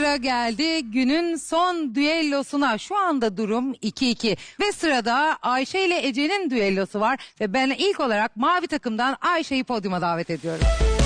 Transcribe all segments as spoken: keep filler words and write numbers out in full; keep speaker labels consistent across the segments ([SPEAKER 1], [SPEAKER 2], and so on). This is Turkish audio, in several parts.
[SPEAKER 1] sıra geldi günün son düellosuna. Şu anda durum iki iki ve sırada Ayşe ile Ece'nin düellosu var ve ben ilk olarak mavi takımdan Ayşe'yi podyuma davet ediyorum.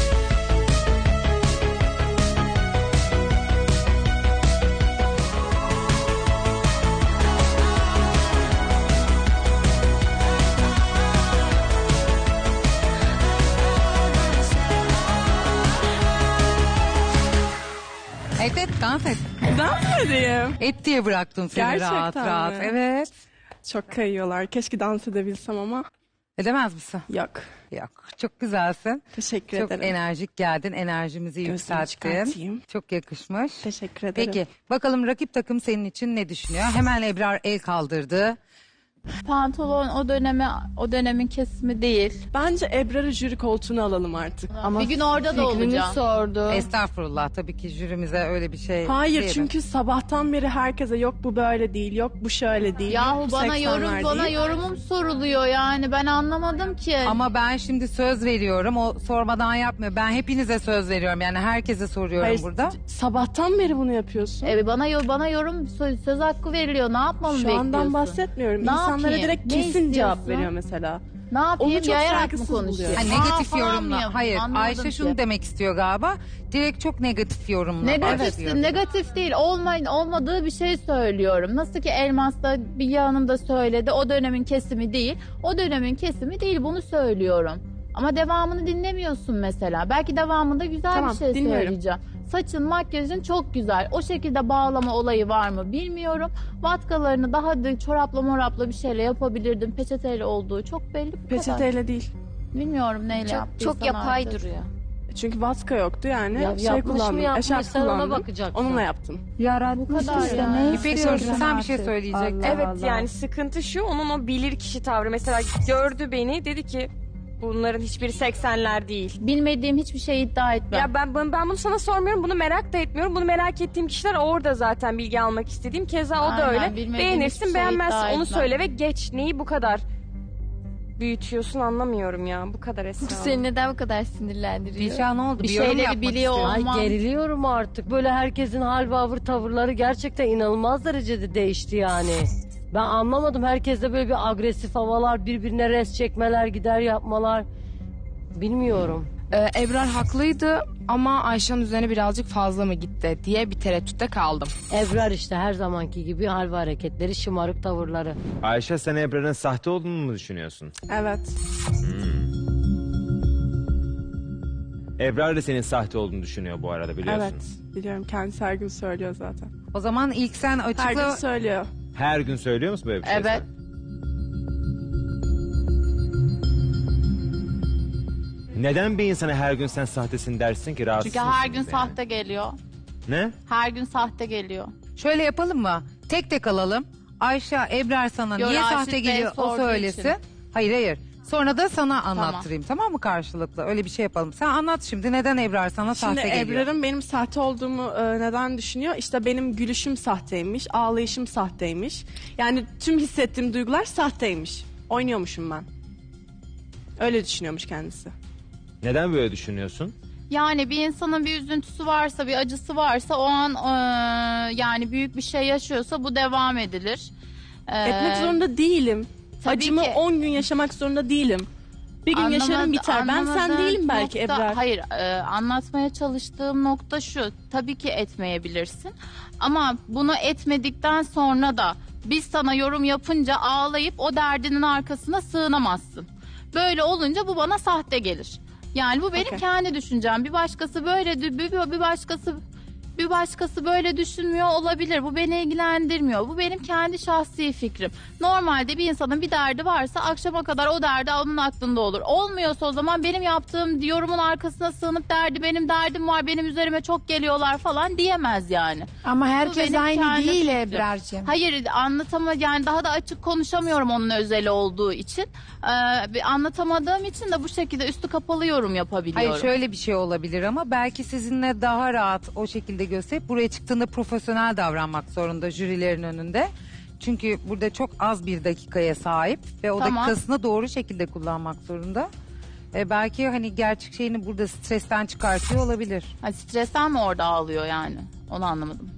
[SPEAKER 1] Evet, evet, dans et.
[SPEAKER 2] Dans edeyim.
[SPEAKER 1] Et diye bıraktım seni.
[SPEAKER 2] Gerçekten
[SPEAKER 1] rahat rahat.
[SPEAKER 2] mi?
[SPEAKER 1] Evet.
[SPEAKER 2] Çok kayıyorlar. Keşke dans edebilsem ama
[SPEAKER 1] Edemez misin?
[SPEAKER 2] yok.
[SPEAKER 1] Yok. Çok güzelsin.
[SPEAKER 2] Teşekkür
[SPEAKER 1] Çok
[SPEAKER 2] ederim.
[SPEAKER 1] enerjik geldin. Enerjimizi
[SPEAKER 2] Gözümü
[SPEAKER 1] yükselttin.
[SPEAKER 2] çıkartayım.
[SPEAKER 1] Çok yakışmış.
[SPEAKER 2] Teşekkür ederim.
[SPEAKER 1] Peki bakalım rakip takım senin için ne düşünüyor? Hemen Ebrar el kaldırdı.
[SPEAKER 3] Pantolon o döneme o dönemin kesimi değil.
[SPEAKER 2] Bence Ebrar'ı jüri koltuğuna alalım artık.
[SPEAKER 3] Ama bir gün orada da olacağım. sordu.
[SPEAKER 1] Estağfurullah, tabii ki jürimize öyle bir şey
[SPEAKER 2] Hayır
[SPEAKER 1] diyemem.
[SPEAKER 2] çünkü sabahtan beri herkese yok bu böyle değil, yok bu şöyle değil.
[SPEAKER 3] Yahu
[SPEAKER 2] yok bu
[SPEAKER 3] bana yorum
[SPEAKER 2] seksenler
[SPEAKER 3] bana
[SPEAKER 2] değil.
[SPEAKER 3] yorumum soruluyor yani ben anlamadım ki.
[SPEAKER 1] Ama ben şimdi söz veriyorum. O sormadan yapmıyor. Ben hepinize söz veriyorum. Yani herkese soruyorum
[SPEAKER 2] Hayır,
[SPEAKER 1] burada.
[SPEAKER 2] sabahtan beri bunu yapıyorsun.
[SPEAKER 3] Evet bana yo- bana yorum söz, söz hakkı veriliyor. Ne yapmamı
[SPEAKER 2] Şu
[SPEAKER 3] bekliyorsun?
[SPEAKER 2] andan bahsetmiyorum.
[SPEAKER 3] Ne
[SPEAKER 2] İnsanlara
[SPEAKER 3] yapayım?
[SPEAKER 2] direkt
[SPEAKER 3] Ne
[SPEAKER 2] kesin cevap
[SPEAKER 3] istiyorsun?
[SPEAKER 2] veriyor mesela.
[SPEAKER 3] Ne yapayım?
[SPEAKER 2] Onu çok
[SPEAKER 3] Yayarak mı
[SPEAKER 2] saygısız
[SPEAKER 3] konuşuyor?
[SPEAKER 2] buluyorum.
[SPEAKER 1] Ha, negatif
[SPEAKER 3] Aa, falan
[SPEAKER 1] yorumla.
[SPEAKER 3] mı yap-
[SPEAKER 1] Hayır,
[SPEAKER 3] Anlamadım
[SPEAKER 1] Ayşe
[SPEAKER 3] ki.
[SPEAKER 1] şunu demek istiyor galiba. Direkt çok negatif yorumla.
[SPEAKER 3] Negatif,
[SPEAKER 1] başlıyor.
[SPEAKER 3] negatif değil. Olmayın, olmadığı bir şey söylüyorum. Nasıl ki Elmas'ta bir yanımda söyledi. O dönemin kesimi değil. O dönemin kesimi değil. Bunu söylüyorum. Ama devamını dinlemiyorsun mesela. Belki devamında güzel
[SPEAKER 2] Tamam,
[SPEAKER 3] bir şey
[SPEAKER 2] dinliyorum.
[SPEAKER 3] söyleyeceğim. Saçın, makyajın çok güzel. O şekilde bağlama olayı var mı bilmiyorum. Vatkalarını daha da çorapla morapla bir şeyle yapabilirdim. Peçeteyle olduğu çok belli. Bu kadar.
[SPEAKER 2] Peçeteyle değil.
[SPEAKER 3] Bilmiyorum neyle
[SPEAKER 4] Çok,
[SPEAKER 3] yaptıysan
[SPEAKER 4] çok yapay
[SPEAKER 3] artık.
[SPEAKER 4] duruyor.
[SPEAKER 2] Çünkü vatka yoktu yani.
[SPEAKER 4] Ya,
[SPEAKER 2] şey
[SPEAKER 4] yapmış mı,
[SPEAKER 2] kullandım.
[SPEAKER 4] yapmış,
[SPEAKER 2] Eşarp
[SPEAKER 4] sen ona
[SPEAKER 2] kullandım.
[SPEAKER 4] bakacaksın.
[SPEAKER 2] Onunla yaptım.
[SPEAKER 3] Bu kadar yani.
[SPEAKER 1] İpek sorusu sen bir şey söyleyecektin.
[SPEAKER 5] Evet yani sıkıntı şu, onun o bilir kişi tavrı. Mesela gördü beni, dedi ki bunların hiçbiri seksenler değil.
[SPEAKER 3] Bilmediğim hiçbir şey iddia etmem.
[SPEAKER 5] Ya ben, ben ben bunu sana sormuyorum, bunu merak da etmiyorum. Bunu merak ettiğim kişiler orada zaten bilgi almak istediğim. Keza o da
[SPEAKER 3] Aynen,
[SPEAKER 5] öyle.
[SPEAKER 3] bilmediğim hiçbir
[SPEAKER 5] Beğenirsin,
[SPEAKER 3] şey
[SPEAKER 5] beğenmezsin
[SPEAKER 3] iddia
[SPEAKER 5] onu
[SPEAKER 3] etmem.
[SPEAKER 5] söyle ve geç. Neyi bu kadar büyütüyorsun anlamıyorum ya. Bu kadar Esra.
[SPEAKER 4] Seni neden bu kadar sinirlendiriyor?
[SPEAKER 1] Dilşah ne oldu?
[SPEAKER 3] Bir
[SPEAKER 1] yorum
[SPEAKER 3] şeyleri
[SPEAKER 1] yapmak
[SPEAKER 3] biliyor
[SPEAKER 1] istiyor.
[SPEAKER 3] olman-
[SPEAKER 6] Ay geriliyorum artık. Böyle herkesin hal ve avır tavırları gerçekten inanılmaz derecede değişti yani. Ben anlamadım. Herkeste böyle bir agresif havalar, birbirine res çekmeler, gider yapmalar. Bilmiyorum.
[SPEAKER 7] Ee, Ebrar haklıydı ama Ayşe'nin üzerine birazcık fazla mı gitti diye bir tereddütte kaldım.
[SPEAKER 6] Ebrar işte her zamanki gibi hal ve hareketleri, şımarık tavırları.
[SPEAKER 8] Ayşe, sen Ebrar'ın sahte olduğunu mu düşünüyorsun?
[SPEAKER 2] Evet.
[SPEAKER 8] Ebrar da senin sahte olduğunu düşünüyor bu arada, biliyorsun.
[SPEAKER 2] Evet. Biliyorum. Kendisi her gün söylüyor zaten.
[SPEAKER 1] O zaman ilk sen
[SPEAKER 2] Her gün
[SPEAKER 1] açıkla.
[SPEAKER 2] söylüyor.
[SPEAKER 8] Her gün söylüyor musun böyle bir şey?
[SPEAKER 3] Evet.
[SPEAKER 8] sen? Neden bir insana her gün sen sahtesin dersin ki, rahatsız
[SPEAKER 3] Çünkü her
[SPEAKER 8] mısınız
[SPEAKER 3] gün
[SPEAKER 8] yani?
[SPEAKER 3] sahte geliyor.
[SPEAKER 8] Ne?
[SPEAKER 3] Her gün sahte geliyor.
[SPEAKER 1] Şöyle yapalım mı? Tek tek alalım. Ayşe, Ebrar sana
[SPEAKER 3] Yo,
[SPEAKER 1] niye
[SPEAKER 3] Raşit
[SPEAKER 1] sahte
[SPEAKER 3] Bey
[SPEAKER 1] geliyor o
[SPEAKER 3] sorduğu
[SPEAKER 1] söylesin.
[SPEAKER 3] için.
[SPEAKER 1] Hayır hayır. Sonra da sana anlattırayım, tamam mı, karşılıklı? Öyle bir şey yapalım. Sen anlat şimdi, neden Ebrar sana
[SPEAKER 2] Şimdi
[SPEAKER 1] sahte geliyor?
[SPEAKER 2] Ebrar'ın benim sahte olduğumu e, neden düşünüyor? İşte benim gülüşüm sahteymiş, ağlayışım sahteymiş. Yani tüm hissettiğim duygular sahteymiş. Oynuyormuşum ben. Öyle düşünüyormuş kendisi.
[SPEAKER 8] Neden böyle düşünüyorsun?
[SPEAKER 3] Yani bir insanın bir üzüntüsü varsa, bir acısı varsa o an eee, yani büyük bir şey yaşıyorsa bu devam edilir. Eee,
[SPEAKER 2] Etmek zorunda değilim.
[SPEAKER 3] tabii
[SPEAKER 2] Acımı
[SPEAKER 3] ki.
[SPEAKER 2] on gün yaşamak zorunda değilim. Bir gün
[SPEAKER 3] anlamadı-
[SPEAKER 2] yaşarım biter. Ben sen
[SPEAKER 3] anlamadığım
[SPEAKER 2] değilim belki
[SPEAKER 3] nokta-
[SPEAKER 2] Ebrar.
[SPEAKER 3] Hayır, eee, anlatmaya çalıştığım nokta şu. Tabii ki etmeyebilirsin. Ama bunu etmedikten sonra da biz sana yorum yapınca ağlayıp o derdinin arkasına sığınamazsın. Böyle olunca bu bana sahte gelir. Yani bu benim
[SPEAKER 2] Okey.
[SPEAKER 3] kendi düşüncem. Bir başkası böyle dü- bir bir başkası bir başkası böyle düşünmüyor olabilir. Bu beni ilgilendirmiyor. Bu benim kendi şahsi fikrim. Normalde bir insanın bir derdi varsa akşama kadar o derdi onun aklında olur. Olmuyorsa o zaman benim yaptığım yorumun arkasına sığınıp derdi benim derdim var, benim üzerime çok geliyorlar falan diyemez yani.
[SPEAKER 9] Ama
[SPEAKER 3] Bu
[SPEAKER 9] herkes
[SPEAKER 3] benim
[SPEAKER 9] aynı
[SPEAKER 3] kendi
[SPEAKER 9] değil
[SPEAKER 3] fikrim.
[SPEAKER 9] Ebrar'cığım.
[SPEAKER 3] Hayır, anlatama yani daha da açık konuşamıyorum onun özeli olduğu için. Ee, bir anlatamadığım için de bu şekilde üstü kapalı yorum yapabiliyorum.
[SPEAKER 1] Hayır, şöyle bir şey olabilir ama belki sizinle daha rahat o şekilde gösterip buraya çıktığında profesyonel davranmak zorunda jürilerin önünde. Çünkü burada çok az bir dakikaya sahip ve o
[SPEAKER 3] Tamam.
[SPEAKER 1] dakikasını doğru şekilde kullanmak zorunda. E belki hani gerçek şeyini burada stresten çıkartıyor olabilir.
[SPEAKER 3] Ha, stresten mi orada ağlıyor yani? Onu anlamadım.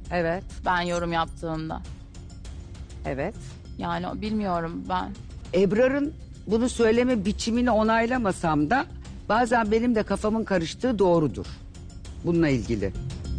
[SPEAKER 1] Evet,
[SPEAKER 3] ben yorum yaptığımda.
[SPEAKER 1] evet.
[SPEAKER 3] Yani bilmiyorum ben.
[SPEAKER 9] Ebrar'ın bunu söyleme biçimini onaylamasam da bazen benim de kafamın karıştığı doğrudur. Bununla ilgili.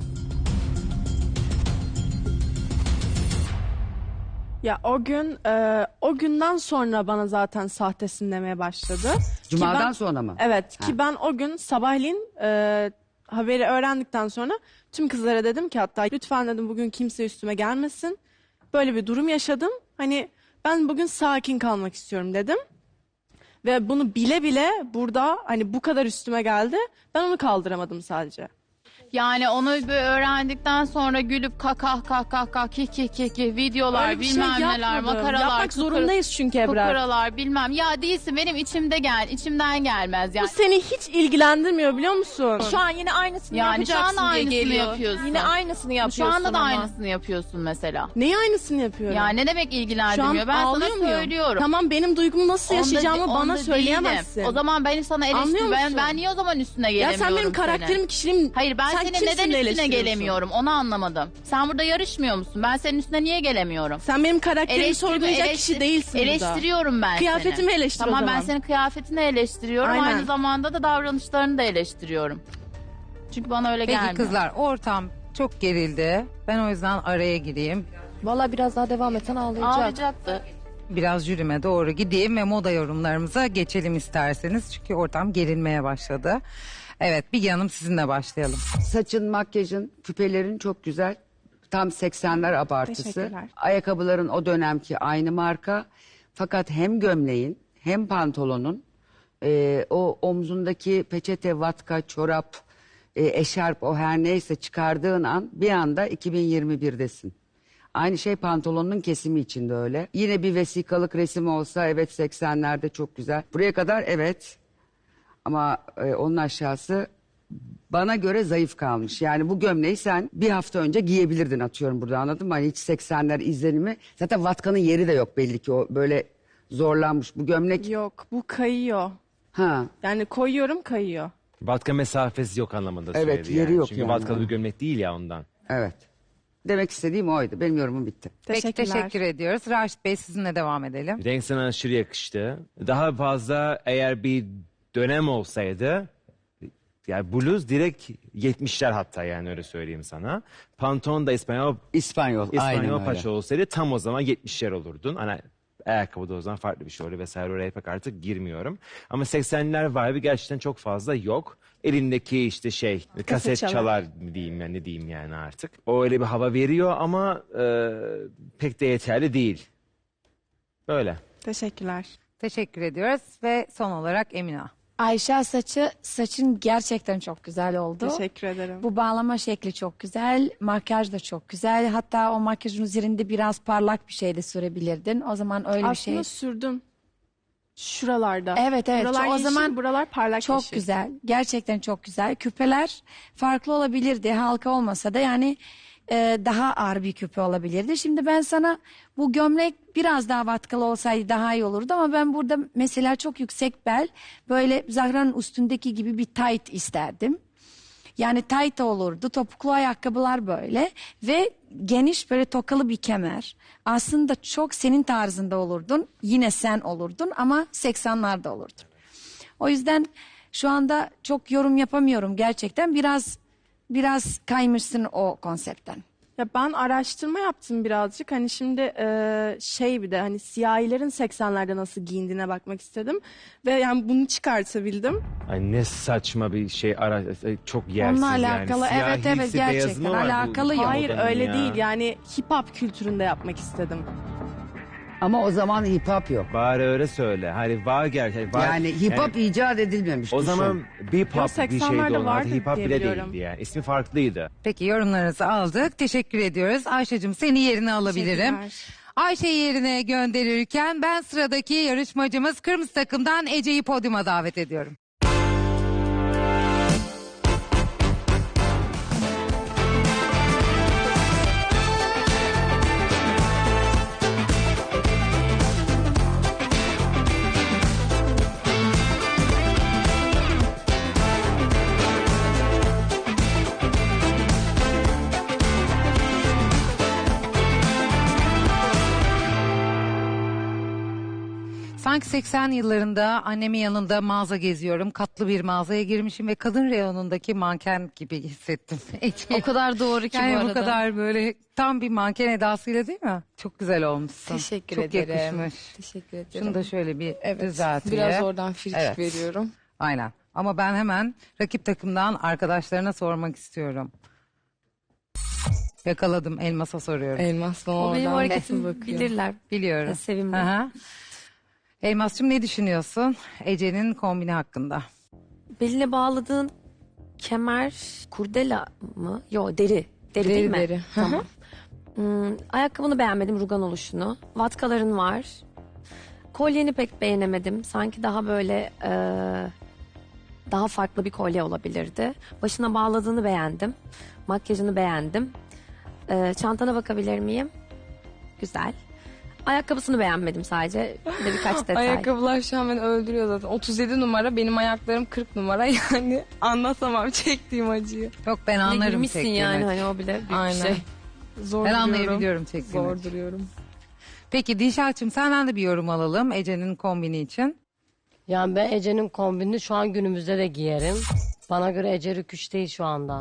[SPEAKER 2] Ya o gün e, o günden sonra bana zaten sahtesin demeye başladı. Ki
[SPEAKER 9] Cuma'dan
[SPEAKER 2] ben-
[SPEAKER 9] sonra mı?
[SPEAKER 2] Evet
[SPEAKER 9] Ha.
[SPEAKER 2] ki ben o gün sabahleyin e, haberi öğrendikten sonra tüm kızlara dedim ki hatta lütfen dedim bugün kimse üstüme gelmesin. Böyle bir durum yaşadım. Hani ben bugün sakin kalmak istiyorum dedim. Ve bunu bile bile burada hani bu kadar üstüme geldi. Ben onu kaldıramadım sadece.
[SPEAKER 3] Yani onu bir öğrendikten sonra gülüp kakah kakah kah kih kih kih kih videolar
[SPEAKER 2] Öyle bir şey
[SPEAKER 3] bilmem neler
[SPEAKER 2] yapmadım.
[SPEAKER 3] makaralar.
[SPEAKER 2] Yapmak
[SPEAKER 3] kukara-
[SPEAKER 2] zorundayız çünkü Ebrar.
[SPEAKER 3] Fukaralar bilmem. Ya değilsin benim içimde gel. içimden gelmez yani.
[SPEAKER 2] Bu seni hiç ilgilendirmiyor biliyor musun?
[SPEAKER 10] Şu an yine aynısını
[SPEAKER 3] Yani şu
[SPEAKER 10] yapacaksın
[SPEAKER 3] anda
[SPEAKER 10] diye
[SPEAKER 3] aynısını
[SPEAKER 10] geliyor.
[SPEAKER 3] yapıyorsun.
[SPEAKER 10] Yine aynısını
[SPEAKER 3] Şu
[SPEAKER 10] yapıyorsun
[SPEAKER 3] anda da
[SPEAKER 10] ama.
[SPEAKER 3] aynısını yapıyorsun mesela.
[SPEAKER 2] Neyi aynısını yapıyorum?
[SPEAKER 3] Ya ne demek
[SPEAKER 2] Şu an
[SPEAKER 3] ilgilendirmiyor? Ben sana
[SPEAKER 2] ağlıyor muyum?
[SPEAKER 3] söylüyorum.
[SPEAKER 2] Tamam benim duygumu nasıl
[SPEAKER 3] Onda-
[SPEAKER 2] yaşayacağımı
[SPEAKER 3] onda
[SPEAKER 2] bana
[SPEAKER 3] değilim.
[SPEAKER 2] söyleyemezsin.
[SPEAKER 3] O zaman ben sana
[SPEAKER 2] Anlıyor
[SPEAKER 3] eleştiri ben,
[SPEAKER 2] musun?
[SPEAKER 3] ben niye o zaman üstüne
[SPEAKER 2] Ya
[SPEAKER 3] gelemiyorum
[SPEAKER 2] sen benim
[SPEAKER 3] senin?
[SPEAKER 2] karakterim, kişiliğim...
[SPEAKER 3] Hayır ben
[SPEAKER 2] sen
[SPEAKER 3] senin
[SPEAKER 2] kimsin
[SPEAKER 3] neden
[SPEAKER 2] de
[SPEAKER 3] üstüne
[SPEAKER 2] eleştiriyorsun?
[SPEAKER 3] gelemiyorum onu anlamadım. Sen burada yarışmıyor musun? Ben senin üstüne niye gelemiyorum?
[SPEAKER 2] Sen benim karakterimi
[SPEAKER 3] Eleştirme-
[SPEAKER 2] sorgulayacak
[SPEAKER 3] eleştir-
[SPEAKER 2] kişi değilsin burada.
[SPEAKER 3] Eleştiriyorum ben
[SPEAKER 2] Kıyafetimi
[SPEAKER 3] seni.
[SPEAKER 2] eleştir o
[SPEAKER 3] Tamam ben
[SPEAKER 2] zaman.
[SPEAKER 3] senin kıyafetini eleştiriyorum.
[SPEAKER 2] Aynen.
[SPEAKER 3] Aynı zamanda da davranışlarını da eleştiriyorum. Çünkü bana öyle
[SPEAKER 1] Peki
[SPEAKER 3] gelmiyor.
[SPEAKER 1] kızlar, ortam çok gerildi. Ben o yüzden araya gireyim.
[SPEAKER 4] Valla biraz daha devam etsen ağlayacak.
[SPEAKER 3] Ağlayacaktı.
[SPEAKER 1] Biraz jürime doğru gideyim ve moda yorumlarımıza geçelim isterseniz. Çünkü ortam gerilmeye başladı. Evet, Bilge Hanım sizinle başlayalım.
[SPEAKER 9] Saçın, makyajın, küpelerin çok güzel. Tam seksenler abartısı.
[SPEAKER 2] Teşekkürler.
[SPEAKER 9] Ayakkabıların o dönemki aynı marka. Fakat hem gömleğin hem pantolonun e, o omzundaki peçete, vatka, çorap, e, eşarp o her neyse çıkardığın an bir anda iki bin yirmi birdesin. Aynı şey pantolonun kesimi için de öyle. Yine bir vesikalık resim olsa evet seksenlerde çok güzel. Buraya kadar evet ama e, onun aşağısı bana göre zayıf kalmış. Yani bu gömleği sen bir hafta önce giyebilirdin atıyorum burada anladın mı? Hani hiç seksenler izlenimi. Zaten vatkanın yeri de yok belli ki o böyle zorlanmış. Bu gömlek
[SPEAKER 2] Yok bu kayıyor.
[SPEAKER 9] ha
[SPEAKER 2] Yani koyuyorum kayıyor.
[SPEAKER 8] Vatka mesafesi yok anlamında
[SPEAKER 9] Evet,
[SPEAKER 8] söyledi
[SPEAKER 9] yeri
[SPEAKER 8] yani.
[SPEAKER 9] yok
[SPEAKER 8] Çünkü
[SPEAKER 9] yani.
[SPEAKER 8] vatkalı bir gömlek değil ya ondan.
[SPEAKER 9] evet. Demek istediğim oydu. Benim yorumum bitti.
[SPEAKER 1] Peki
[SPEAKER 2] Teşekkürler.
[SPEAKER 1] teşekkür ediyoruz. Raşit Bey sizinle devam edelim.
[SPEAKER 8] Renk sana aşırı yakıştı. Daha fazla eğer bir dönem olsaydı yani bluz direkt yetmişler hatta yani öyle söyleyeyim sana. Pantolon da İspanyol
[SPEAKER 9] İspanyol, aynen
[SPEAKER 8] İspanyol
[SPEAKER 9] öyle.
[SPEAKER 8] paça olsaydı tam o zaman yetmişler olurdun. Hani ayakkabı da o zaman farklı bir şey oluyor vesaire oraya pek artık girmiyorum. Ama seksenler vibe'ı gerçekten çok fazla yok. Elindeki işte şey kaset
[SPEAKER 2] çalar.
[SPEAKER 8] çalar mı diyeyim yani ne diyeyim yani artık. O öyle bir hava veriyor ama e, pek de yeterli değil. Böyle.
[SPEAKER 2] Teşekkürler.
[SPEAKER 1] Teşekkür ediyoruz ve son olarak Emina.
[SPEAKER 4] Ayşe saçı, saçın gerçekten çok güzel oldu.
[SPEAKER 2] Teşekkür ederim.
[SPEAKER 4] Bu bağlama şekli çok güzel, makyaj da çok güzel. Hatta o makyajın üzerinde biraz parlak bir şey de sürebilirdin. O zaman öyle bir şey.
[SPEAKER 2] Aslında sürdüm. Şuralarda.
[SPEAKER 4] Evet, evet.
[SPEAKER 2] Buralar
[SPEAKER 4] O
[SPEAKER 2] yeşil,
[SPEAKER 4] zaman
[SPEAKER 2] buralar parlak
[SPEAKER 4] Çok
[SPEAKER 2] yeşil.
[SPEAKER 4] güzel. Gerçekten çok güzel. Küpeler farklı olabilirdi. Halka olmasa da yani e, daha ağır bir küpe olabilirdi. Şimdi ben sana bu gömlek biraz daha vatkalı olsaydı daha iyi olurdu ama ben burada mesela çok yüksek bel böyle Zahra'nın üstündeki gibi bir tight isterdim. Yani tight olurdu. Topuklu ayakkabılar böyle ve geniş böyle tokalı bir kemer. Aslında çok senin tarzında olurdun. Yine sen olurdun ama seksenlerde olurdun. O yüzden şu anda çok yorum yapamıyorum gerçekten. Biraz biraz kaymışsın o konseptten.
[SPEAKER 2] Ya ben araştırma yaptım birazcık. Hani şimdi e, şey bir de hani siyahilerin seksenlerde nasıl giyindiğine bakmak istedim. Ve yani bunu çıkartabildim.
[SPEAKER 8] Ay ne saçma bir şey ara çok yersiz
[SPEAKER 4] Onunla
[SPEAKER 8] yani.
[SPEAKER 4] alakalı, evet,
[SPEAKER 8] Siyahisi,
[SPEAKER 4] evet,
[SPEAKER 8] beyazı
[SPEAKER 4] gerçekten
[SPEAKER 8] mı var bu
[SPEAKER 4] alakalı yok.
[SPEAKER 2] Hayır
[SPEAKER 8] modanın
[SPEAKER 2] öyle
[SPEAKER 8] ya?
[SPEAKER 2] değil. Yani hip hop kültüründe yapmak istedim.
[SPEAKER 9] Ama o zaman hip hop yok.
[SPEAKER 8] Bari öyle söyle. Hani var gerçekten. Var,
[SPEAKER 9] Yani hip hop icat edilmemiş.
[SPEAKER 8] o
[SPEAKER 9] düşün.
[SPEAKER 8] zaman bir pop bir
[SPEAKER 2] seksenlerde
[SPEAKER 8] şeydi onlar.
[SPEAKER 2] vardı
[SPEAKER 8] Hip hop
[SPEAKER 2] diye
[SPEAKER 8] bile
[SPEAKER 2] biliyorum.
[SPEAKER 8] değildi yani. İsmi farklıydı.
[SPEAKER 1] Peki yorumlarınızı aldık. Teşekkür ediyoruz. Ayşe'cim seni yerine alabilirim.
[SPEAKER 2] Teşekkürler.
[SPEAKER 1] Ayşe'yi yerine gönderirken ben sıradaki yarışmacımız kırmızı takımdan Ece'yi podyuma davet ediyorum. Sanki seksen yıllarında annemin yanında mağaza geziyorum. Katlı bir mağazaya girmişim ve kadın reyonundaki manken gibi hissettim.
[SPEAKER 10] O kadar doğru ki
[SPEAKER 1] yani
[SPEAKER 10] bu arada.
[SPEAKER 1] bu kadar böyle tam bir manken edasıyla değil mi? Çok güzel olmuşsun.
[SPEAKER 7] Teşekkür
[SPEAKER 1] Çok
[SPEAKER 7] ederim.
[SPEAKER 1] yakışmış.
[SPEAKER 7] Teşekkür ederim.
[SPEAKER 1] Şunu da şöyle bir
[SPEAKER 7] Evet,
[SPEAKER 1] düzelteyim.
[SPEAKER 7] biraz oradan frikik
[SPEAKER 1] Evet.
[SPEAKER 7] veriyorum.
[SPEAKER 1] Aynen. Ama ben hemen rakip takımdan arkadaşlarına sormak istiyorum. Yakaladım. Elmas'a soruyorum.
[SPEAKER 7] Elmas'la
[SPEAKER 10] O benim
[SPEAKER 7] oradan
[SPEAKER 10] hareketimi
[SPEAKER 7] nasıl bakıyor?
[SPEAKER 10] bilirler.
[SPEAKER 1] Biliyorum.
[SPEAKER 10] Sevimli.
[SPEAKER 1] Aha. Elmas'cığım ne düşünüyorsun Ece'nin kombini hakkında?
[SPEAKER 10] Beline bağladığın kemer kurdela mı? Yo deri. Deri, değil
[SPEAKER 7] Deri,
[SPEAKER 10] mi?
[SPEAKER 7] deri. Hı hı.
[SPEAKER 10] Tamam. Hmm, ayakkabını beğenmedim, rugan oluşunu. Vatkaların var. Kolyeni pek beğenemedim. Sanki daha böyle e, daha farklı bir kolye olabilirdi. Başına bağladığını beğendim. Makyajını beğendim. E, çantana bakabilir miyim? Güzel. Ayakkabısını beğenmedim sadece. Bir de birkaç detay.
[SPEAKER 7] Ayakkabılar şu an beni öldürüyor zaten. otuz yedi numara, benim ayaklarım kırk numara. Yani anlatamam çektiğim acıyı.
[SPEAKER 1] Yok ben
[SPEAKER 10] Bir de
[SPEAKER 1] anlarım
[SPEAKER 10] girmişsin
[SPEAKER 1] çektiğini.
[SPEAKER 10] yani hani o bile büyük
[SPEAKER 7] Aynen.
[SPEAKER 10] bir şey.
[SPEAKER 7] Zor
[SPEAKER 1] Ben
[SPEAKER 7] duruyorum.
[SPEAKER 1] anlayabiliyorum çektiğini.
[SPEAKER 7] Zor duruyorum.
[SPEAKER 1] Peki Dilşah'cığım senden de bir yorum alalım Ece'nin kombini için.
[SPEAKER 6] Yani ben Ece'nin kombinini şu an günümüzde de giyerim. Bana göre Ece rüküş değil şu anda.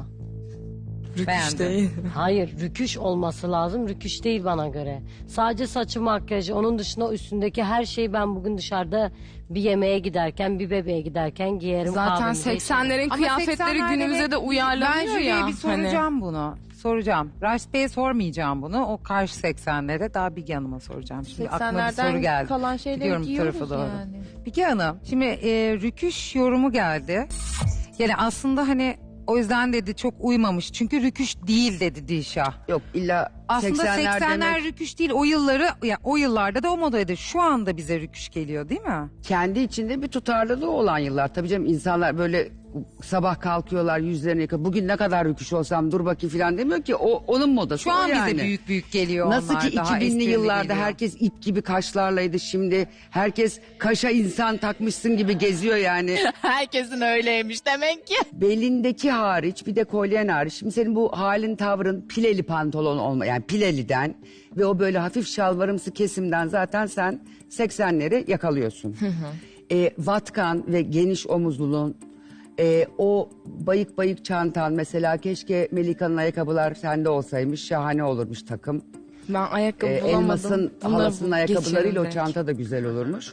[SPEAKER 1] Beğendim.
[SPEAKER 7] Değil.
[SPEAKER 6] Hayır, rüküş olması lazım. Rüküş değil bana göre. Sadece saçı, makyajı, onun dışında üstündeki her şeyi ben bugün dışarıda bir yemeğe giderken, bir bebeğe giderken giyerim.
[SPEAKER 7] Zaten
[SPEAKER 6] kahvemizi içerim.
[SPEAKER 7] seksenlerin
[SPEAKER 1] Ama
[SPEAKER 7] kıyafetleri
[SPEAKER 1] seksenlerde
[SPEAKER 7] günümüze de uyarlanıyor
[SPEAKER 1] ben
[SPEAKER 7] ya.
[SPEAKER 1] Jüriye bir
[SPEAKER 7] hani.
[SPEAKER 1] soracağım bunu. Soracağım. Raşit Bey'e sormayacağım bunu. O karşı seksenlere daha Bilge Hanım'a soracağım. Şimdi aklıma bir soru geldi.
[SPEAKER 7] kalan şeyleri
[SPEAKER 1] Gidiyorum bu
[SPEAKER 7] giyiyoruz
[SPEAKER 1] tarafa doğru.
[SPEAKER 7] yani.
[SPEAKER 1] Bilge Hanım şimdi e, rüküş yorumu geldi. Yani aslında hani o yüzden dedi çok uymamış. Çünkü rüküş değil dedi Dilşah.
[SPEAKER 9] Yok illa
[SPEAKER 1] Aslında
[SPEAKER 9] seksenler,
[SPEAKER 1] seksenler
[SPEAKER 9] demek
[SPEAKER 1] rüküş değil. O yılları ya o yıllarda da o modaydı. Şu anda bize rüküş geliyor değil mi?
[SPEAKER 9] kendi içinde bir tutarlılığı olan yıllar. Tabii canım insanlar böyle sabah kalkıyorlar yüzlerini yıkıyor. Bugün ne kadar rüküş olsam dur bakayım falan demiyor ki. O onun modası
[SPEAKER 1] Şu
[SPEAKER 9] o
[SPEAKER 1] an
[SPEAKER 9] yani.
[SPEAKER 1] bize büyük büyük geliyor
[SPEAKER 9] Nasıl
[SPEAKER 1] onlar.
[SPEAKER 9] ki
[SPEAKER 1] daha
[SPEAKER 9] iki binli
[SPEAKER 1] esprili
[SPEAKER 9] yıllarda
[SPEAKER 1] geliyor.
[SPEAKER 9] herkes ip gibi kaşlarlaydı, şimdi herkes kaşa insan takmışsın gibi geziyor yani.
[SPEAKER 3] Herkesin öyleymiş demek ki.
[SPEAKER 9] Belindeki hariç bir de kolyen hariç. Şimdi senin bu halin tavrın pileli pantolon olma, yani pileliden ve o böyle hafif şalvarımsı kesimden zaten sen seksenleri yakalıyorsun. E, vatkan ve geniş omuzluluğun, e, o bayık bayık çantan, mesela keşke Melika'nın ayakkabılar sende olsaymış, şahane olurmuş takım.
[SPEAKER 7] Ben ayakkabı
[SPEAKER 9] E,
[SPEAKER 7] bulamadım.
[SPEAKER 9] Elmas'ın
[SPEAKER 7] Bunları
[SPEAKER 9] halasının
[SPEAKER 7] bu-
[SPEAKER 9] ayakkabılarıyla o
[SPEAKER 7] geçerim
[SPEAKER 9] çanta da güzel olurmuş.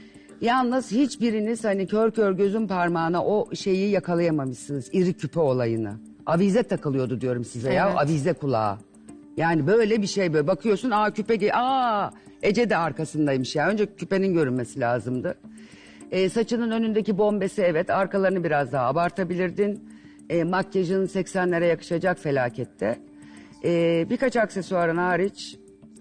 [SPEAKER 9] Yalnız hiçbiriniz hani kör kör gözün parmağına o şeyi yakalayamamışsınız. İri küpe olayını. Avize takılıyordu diyorum size ya.
[SPEAKER 7] Evet.
[SPEAKER 9] Avize kulağı. Yani böyle bir şey, böyle bakıyorsun, aa küpe ge- aa Ece de arkasındaymış ya. Önce küpenin görünmesi lazımdı. E, saçının önündeki bombesi, evet, arkalarını biraz daha abartabilirdin. E, makyajın seksenlere yakışacak felakette. E, birkaç aksesuarın hariç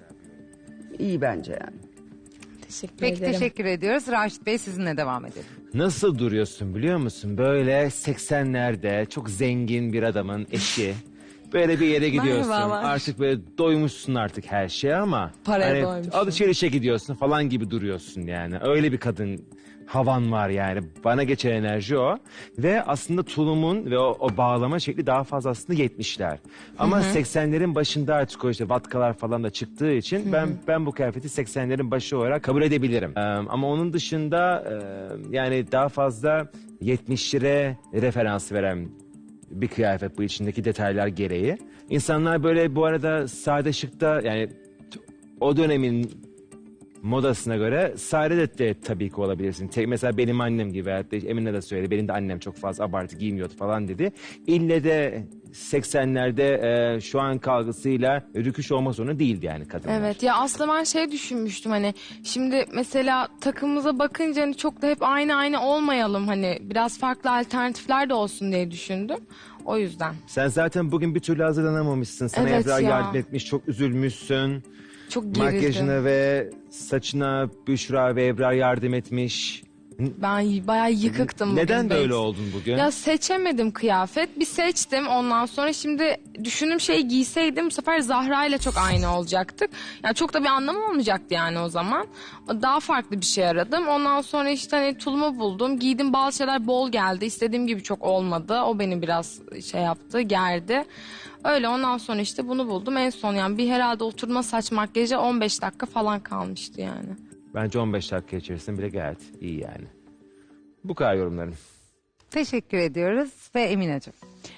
[SPEAKER 9] iyi bence yani.
[SPEAKER 7] Teşekkür
[SPEAKER 1] Peki
[SPEAKER 7] ederim.
[SPEAKER 1] teşekkür ediyoruz. Raşit Bey sizinle devam edelim.
[SPEAKER 8] Nasıl duruyorsun biliyor musun? Böyle seksenlerde çok zengin bir adamın eşi. Böyle bir yere gidiyorsun.
[SPEAKER 7] Merhabalar.
[SPEAKER 8] Artık böyle doymuşsun artık her şeye ama.
[SPEAKER 7] Paraya
[SPEAKER 8] hani
[SPEAKER 7] doymuşum.
[SPEAKER 8] alışverişe gidiyorsun falan gibi duruyorsun yani. Öyle bir kadın havan var yani. Bana geçen enerji o. Ve aslında tulumun ve o, o bağlama şekli daha fazla aslında yetmişler. Ama seksenlerin başında artık o işte vatkalar falan da çıktığı için ben ben bu kıyafeti seksenlerin başı olarak kabul edebilirim. Ee, ama onun dışında e, yani daha fazla yetmişlere referans veren bir kıyafet bu, içindeki detaylar gereği. İnsanlar böyle bu arada sade şıkta, yani t- o dönemin modasına göre sade de, de tabii ki olabilirsin. Te- mesela benim annem gibi, hatta Emine de söyledi. Benim de annem çok fazla abartı giymiyordu falan dedi. İlle de seksenlerde e, şu an kalgısıyla rüküş olma zorunda değildi yani kadınlar.
[SPEAKER 7] Evet ya, aslında ben şey düşünmüştüm, hani şimdi mesela takımımıza bakınca hani çok da hep aynı aynı olmayalım, hani biraz farklı alternatifler de olsun diye düşündüm. O yüzden.
[SPEAKER 8] Sen zaten bugün bir türlü hazırlanamamışsın. Sana
[SPEAKER 7] Evet
[SPEAKER 8] Ebrar
[SPEAKER 7] ya.
[SPEAKER 8] yardım etmiş, çok üzülmüşsün.
[SPEAKER 7] Çok gerildim.
[SPEAKER 8] Makyajına ve saçına Büşra ve Ebrar yardım etmiş.
[SPEAKER 7] Ben y- bayağı yıkıktım bugün.
[SPEAKER 8] Neden
[SPEAKER 7] Beyt.
[SPEAKER 8] böyle oldun bugün?
[SPEAKER 7] Ya seçemedim kıyafet. Bir seçtim, ondan sonra şimdi düşündüğüm şeyi giyseydim bu sefer Zahra ile çok aynı olacaktık. Yani çok da bir anlamı olmayacaktı yani o zaman. Daha farklı bir şey aradım. Ondan sonra işte hani tulumu buldum. Giydim, bazı şeyler bol geldi. İstediğim gibi çok olmadı. O beni biraz şey yaptı, gerdi. Öyle, ondan sonra işte bunu buldum. En son yani bir herhalde oturma saç makyaja on beş dakika falan kalmıştı yani.
[SPEAKER 8] Bence on beş dakika içerisinde bile gayet iyi yani. Bu kadar yorumlarım.
[SPEAKER 1] Teşekkür ediyoruz ve Emineciğim.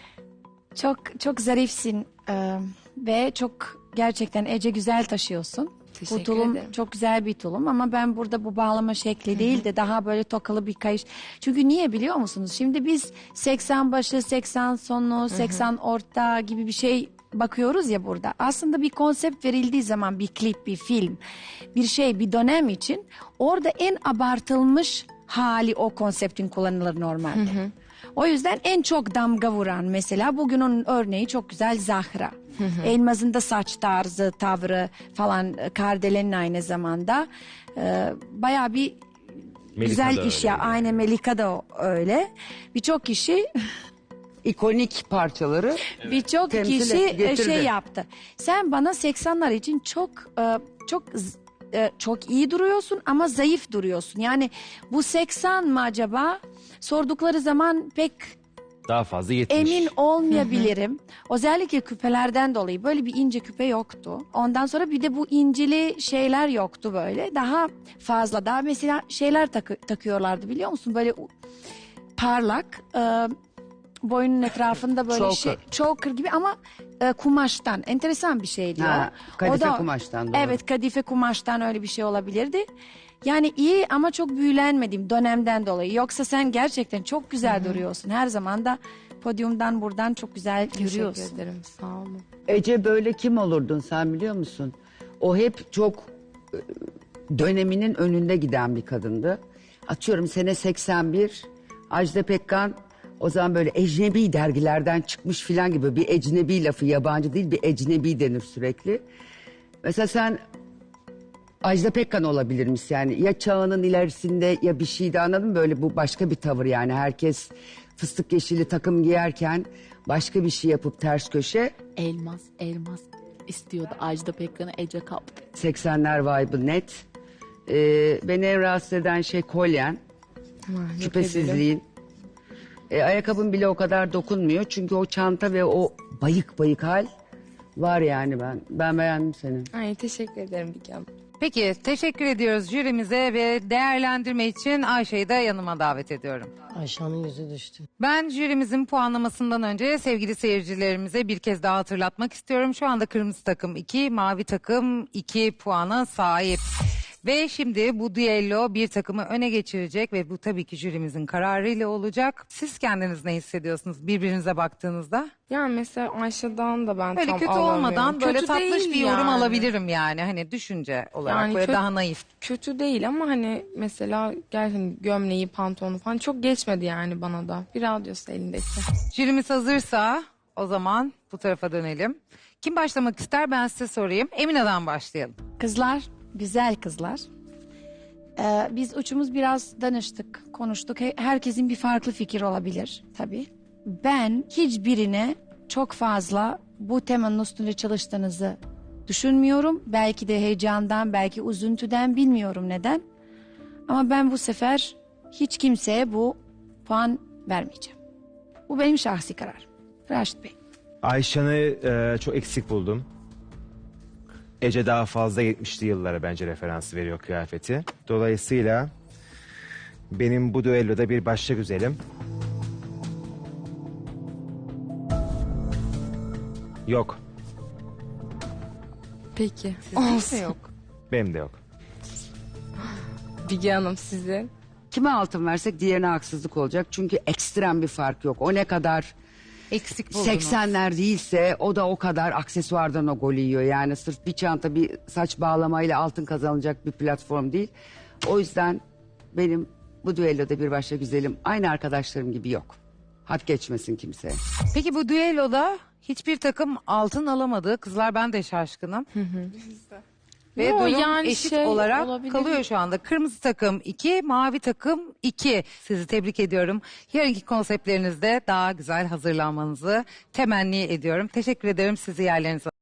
[SPEAKER 4] Çok çok zarifsin e, ve çok gerçekten Ece güzel taşıyorsun.
[SPEAKER 7] Teşekkür
[SPEAKER 4] Bu tulum
[SPEAKER 7] ederim.
[SPEAKER 4] çok güzel bir tulum ama ben burada bu bağlama şekli değil de daha böyle tokalı bir kayış. Çünkü niye biliyor musunuz? Şimdi biz seksen başı, seksen sonu, seksen orta gibi bir şey bakıyoruz ya burada. Aslında bir konsept verildiği zaman bir klip, bir film, bir şey, bir dönem için orada en abartılmış hali o konseptin kullanılır normalde. O yüzden en çok damga vuran mesela bugün onun örneği çok güzel Zahra. Elmaz'ın da saç tarzı, tavrı falan Kardelen'in aynı zamanda. Ee, bayağı bir
[SPEAKER 8] Melika
[SPEAKER 4] güzel
[SPEAKER 8] da
[SPEAKER 4] iş
[SPEAKER 8] öyle
[SPEAKER 4] ya.
[SPEAKER 8] yani.
[SPEAKER 4] Aynı Melika da öyle. Birçok kişi
[SPEAKER 9] İkonik parçaları
[SPEAKER 4] birçok
[SPEAKER 9] temsil
[SPEAKER 4] kişi
[SPEAKER 9] et-
[SPEAKER 4] e,
[SPEAKER 9] getirdi.
[SPEAKER 4] şey yaptı. Sen bana seksenler için çok e, çok z- e, çok iyi duruyorsun ama zayıf duruyorsun. Yani bu seksen mi acaba? Sordukları zaman pek
[SPEAKER 8] Daha fazla yetmiş.
[SPEAKER 4] emin olmayabilirim. Özellikle küpelerden dolayı böyle bir ince küpe yoktu. Ondan sonra bir de bu incili şeyler yoktu böyle. Daha fazla daha mesela şeyler takı- takıyorlardı biliyor musun? Böyle u- parlak e, boynun etrafında böyle
[SPEAKER 9] Choker.
[SPEAKER 4] şey choker gibi ama e, kumaştan enteresan bir şeydi
[SPEAKER 9] Ha,
[SPEAKER 4] o.
[SPEAKER 9] kadife
[SPEAKER 4] O da-
[SPEAKER 9] kumaştan, doğru.
[SPEAKER 4] Evet kadife kumaştan öyle bir şey olabilirdi. Yani iyi ama çok büyülenmedim dönemden dolayı. Yoksa sen gerçekten çok güzel duruyorsun. Her zaman da podyumdan buradan çok güzel yürüyorsun.
[SPEAKER 7] Teşekkür ederim. Sağ olun.
[SPEAKER 9] Ece böyle kim olurdun sen biliyor musun? O hep çok e, döneminin önünde giden bir kadındı. Atıyorum sene seksen bir Ajda Pekkan o zaman böyle ecnebi dergilerden çıkmış filan gibi bir ecnebi lafı yabancı değil bir ecnebi denir sürekli. Mesela sen Ajda Pekkan olabilirmiş yani ya çağının ilerisinde ya bir şeydi anladın mı? Böyle bu başka bir tavır yani herkes fıstık yeşili takım giyerken başka bir şey yapıp ters köşe
[SPEAKER 11] Elmas, elmas istiyordu. Ajda Pekkan'ı Ece kaptı.
[SPEAKER 9] seksenler vibe'ı net. Ee, beni en rahatsız eden şey kolyen, küpesizliğin. Ee, ayakkabın bile o kadar dokunmuyor çünkü o çanta ve o bayık bayık hal var yani ben. Ben beğendim seni.
[SPEAKER 7] Ay teşekkür ederim Bilge Hanım.
[SPEAKER 1] Peki teşekkür ediyoruz jürimize ve değerlendirme için Ayşe'yi de yanıma davet ediyorum.
[SPEAKER 6] Ayşe'nin yüzü düştü.
[SPEAKER 1] Ben jürimizin puanlamasından önce sevgili seyircilerimize bir kez daha hatırlatmak istiyorum. Şu anda kırmızı takım iki, mavi takım iki puana sahip. Ve şimdi bu düello bir takımı öne geçirecek ve bu tabii ki jürimizin kararıyla olacak. Siz kendiniz ne hissediyorsunuz birbirinize baktığınızda?
[SPEAKER 7] Yani mesela Ayşe'den da ben
[SPEAKER 1] Böyle
[SPEAKER 7] tam
[SPEAKER 1] kötü
[SPEAKER 7] alamıyorum.
[SPEAKER 1] olmadan böyle
[SPEAKER 7] Kötü
[SPEAKER 1] tatlış
[SPEAKER 7] değil
[SPEAKER 1] bir yorum
[SPEAKER 7] yani.
[SPEAKER 1] alabilirim yani. Hani düşünce olarak
[SPEAKER 7] Yani
[SPEAKER 1] böyle
[SPEAKER 7] kö-
[SPEAKER 1] daha naif.
[SPEAKER 7] Kötü değil ama hani mesela gerçekten gömleği, pantolonu falan çok geçmedi yani bana da. Bir radyosu elindeki.
[SPEAKER 1] Jürimiz hazırsa o zaman bu tarafa dönelim. Kim başlamak ister ben size sorayım. Emine'den başlayalım.
[SPEAKER 4] Kızlar, güzel kızlar. Ee, biz üçümüz biraz danıştık, konuştuk. He- Herkesin bir farklı fikir olabilir tabii. Ben hiçbirine çok fazla bu temanın üstünde çalıştığınızı düşünmüyorum. Belki de heyecandan, belki üzüntüden bilmiyorum neden. Ama ben bu sefer hiç kimseye bu puan vermeyeceğim. Bu benim şahsi kararım. Raşit Bey.
[SPEAKER 8] Ayşen'i e, çok eksik buldum. Ece daha fazla yetmişli yıllara bence referans veriyor kıyafeti. Dolayısıyla benim bu düelloda bir başka güzelim. Yok.
[SPEAKER 7] Peki.
[SPEAKER 1] Kimse yok.
[SPEAKER 8] Benim de yok.
[SPEAKER 7] Bilge Hanım sizin.
[SPEAKER 9] Kime altın versek diğerine haksızlık olacak. Çünkü ekstrem bir fark yok. O ne kadar
[SPEAKER 1] Eksik buldunuz.
[SPEAKER 9] seksenler değilse o da o kadar aksesuardan o golü yiyor. Yani sırf bir çanta bir saç bağlamayla altın kazanılacak bir platform değil. O yüzden benim bu düelloda bir başka güzelim aynı arkadaşlarım gibi yok. Hat geçmesin kimseye.
[SPEAKER 1] Peki bu düelloda hiçbir takım altın alamadı. Kızlar ben de şaşkınım. Ve
[SPEAKER 7] Yo,
[SPEAKER 1] durum
[SPEAKER 7] yani
[SPEAKER 1] eşit
[SPEAKER 7] şey
[SPEAKER 1] olarak
[SPEAKER 7] olabilir.
[SPEAKER 1] kalıyor şu anda. Kırmızı takım iki, mavi takım iki. Sizi tebrik ediyorum. Yarınki konseptlerinizde daha güzel hazırlanmanızı temenni ediyorum. Teşekkür ederim sizi yerlerinize.